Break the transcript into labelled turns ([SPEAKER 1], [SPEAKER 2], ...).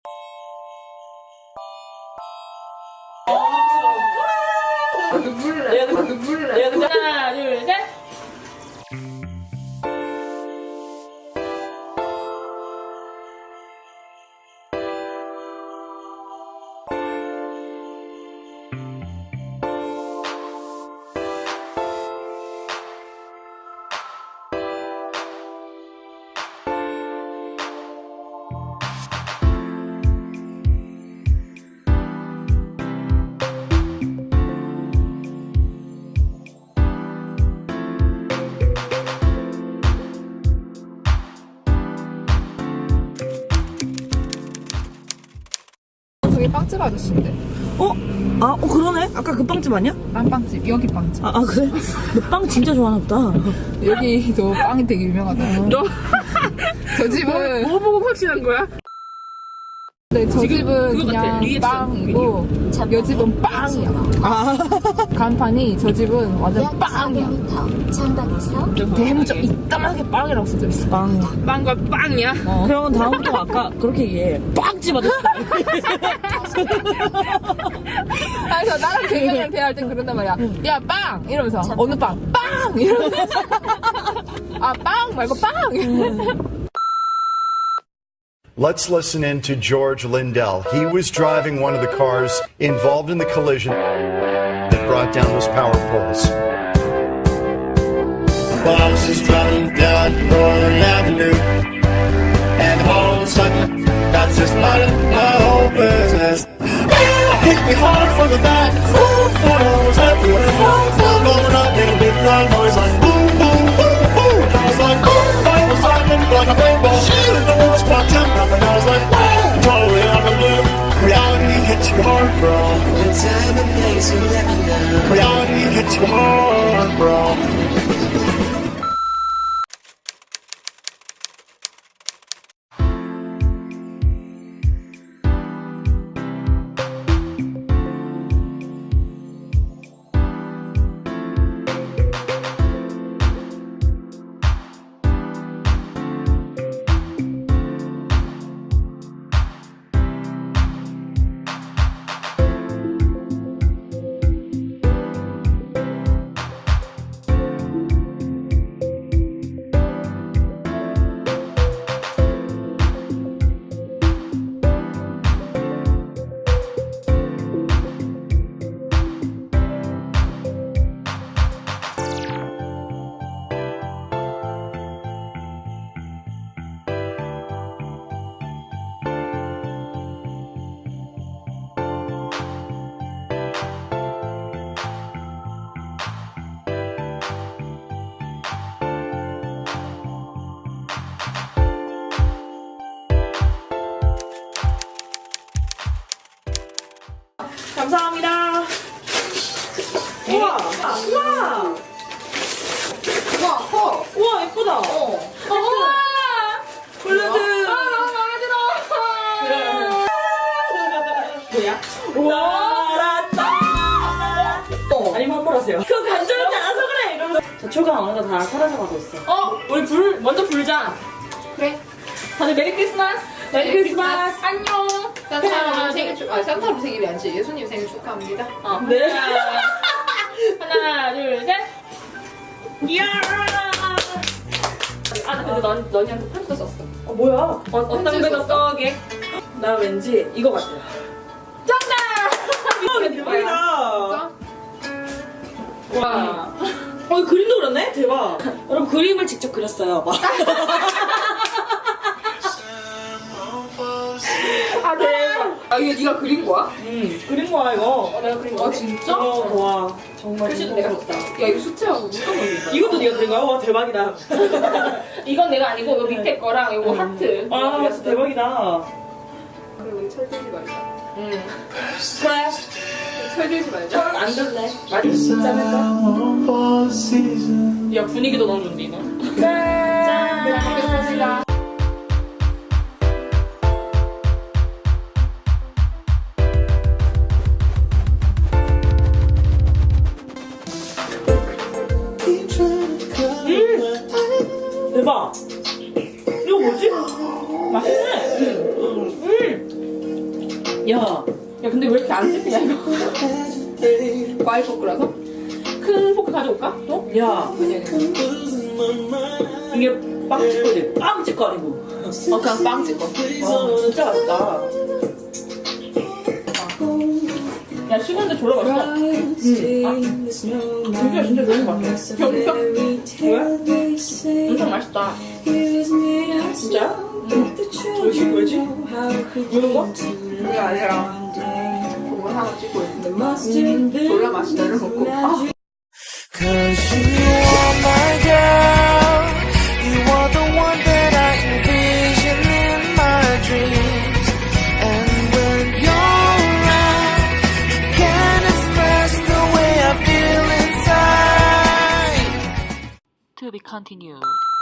[SPEAKER 1] 눈물나. 눈물나. 하나, 둘, 셋.
[SPEAKER 2] 저기 빵집 아저씨인데?
[SPEAKER 3] 그러네? 아까 그 빵집 아니야?
[SPEAKER 2] 딴 빵집, 여기 빵집.
[SPEAKER 3] 그래? 너 빵 진짜 좋아하나 보다.
[SPEAKER 2] 여기도 빵이 되게 유명하다.
[SPEAKER 1] 너,
[SPEAKER 2] 저 집은
[SPEAKER 1] 뭐 보고 확신한 거야?
[SPEAKER 2] 네, 저
[SPEAKER 1] 지금
[SPEAKER 2] 집은
[SPEAKER 1] 그거 같아.
[SPEAKER 2] 그냥
[SPEAKER 1] 리액션
[SPEAKER 2] 빵이고 여 집은 빵이야. 간판이 저 집은 완전 빵이야.
[SPEAKER 4] 전방에서
[SPEAKER 2] 대문짝 이따만하게 빵이라고 써져 있어.
[SPEAKER 3] 빵.
[SPEAKER 1] 빵과 빵이야?
[SPEAKER 3] 그러면 다음부터 아까 그렇게 얘기해. 빵집 아저씨.
[SPEAKER 2] 그래서 나랑 걔랑 대화할 땐 그런단 말이야. 야, 빵! 이러면서 어느 빵? 빵! 이러면서 빵 말고 빵! 이러면서
[SPEAKER 5] Let's listen in to George Lindell. He was driving one of the cars involved in the collision that brought down those power poles.
[SPEAKER 6] Well, I was just driving down Northern Avenue, and the whole of a sudden, that's just my whole business. Hit me hard from the back, full photos everywhere, blowing up in a big loud noise like boom, boom, boom, boom. And I was like, boom, I was lightning like a rainbow, shooting the moon spot jumping up, and I was like, whoa, totally out of the blue. Reality hits you hard, bro. The time and place you let me know. Reality hits you hard, bro.
[SPEAKER 3] 감사합니다. 우와! 우와!
[SPEAKER 2] 우와, 커!
[SPEAKER 3] 우와, 예쁘다.
[SPEAKER 2] 우와!
[SPEAKER 3] 블루드.
[SPEAKER 2] 너무 마음에 들어!
[SPEAKER 3] 뭐야? 우와! 아니면 한번 하세요. 그거 간절하지 않아서 그래! 이러면서. 자, 초가 어느덧 다 사라져가고 있어.
[SPEAKER 1] 우리 먼저 불자.
[SPEAKER 2] 그래.
[SPEAKER 1] 다들 메리 크리스마스.
[SPEAKER 2] 메리 크리스마스.
[SPEAKER 1] 안녕.
[SPEAKER 2] 산타로 산타로 생일이 아니지. 예수님 생일 축하합니다.
[SPEAKER 3] 네.
[SPEAKER 1] 하나, 둘, 셋. 이야! 나 근데 너희한테 편지도 썼어.
[SPEAKER 3] 뭐야?
[SPEAKER 1] 어떤 배도 써게?
[SPEAKER 3] 나 왠지 이거 같아.
[SPEAKER 1] 정답!
[SPEAKER 3] 대박이다.
[SPEAKER 1] 와.
[SPEAKER 3] 그림도 그렸네? 대박. 여러분, 그림을 직접 그렸어요. 막.
[SPEAKER 1] 대박.
[SPEAKER 2] 이게 네가 그린 거야?
[SPEAKER 3] 그린 거야, 이거.
[SPEAKER 1] 내가 그린 거.
[SPEAKER 2] 진짜?
[SPEAKER 3] 좋아. 정말.
[SPEAKER 1] 글씨도 내가 썼다.
[SPEAKER 2] 야, 이거 숙제하고 무슨 걸린다.
[SPEAKER 3] 이것도 네가 그린 거야? 와, 대박이다.
[SPEAKER 1] 이건 내가 아니고 요 밑에 거랑 요거 하트.
[SPEAKER 3] 진짜 대박이다.
[SPEAKER 2] 그리고 우리 철 들지 말자.
[SPEAKER 3] 그래.
[SPEAKER 2] 철 들지 말자.
[SPEAKER 3] 안 들래. 많이 진짜 할까?
[SPEAKER 1] 야, 분위기도 너무 좋은데, 이거.
[SPEAKER 2] 짠! 먹겠습니다.
[SPEAKER 3] 대박. 이거 뭐지? 맛있네. 야,
[SPEAKER 1] 야 근데 왜 이렇게 안 씹히냐 이거.
[SPEAKER 2] 과일 포크라서?
[SPEAKER 1] 큰 포크 가져올까? 또?
[SPEAKER 3] 야, 이게 빵집거리, 빵집거리고.
[SPEAKER 2] 그냥 빵 찍어.
[SPEAKER 3] 진짜 맛있다.
[SPEAKER 1] 야 식었는데 졸라 맛있어. 진짜 너무 맛있어.
[SPEAKER 3] 진짜? 왜?
[SPEAKER 1] 엄청 맛있다.
[SPEAKER 3] 진짜? 왜지? 이런 거?
[SPEAKER 2] 그게 아니라 국물 하나 찍고 있는데 졸라 맛있다 이러고 아,
[SPEAKER 4] Cause you are my girl. You are the one that I envision in my dreams. And when you're around, you can't express the way I feel inside.
[SPEAKER 7] To be continued.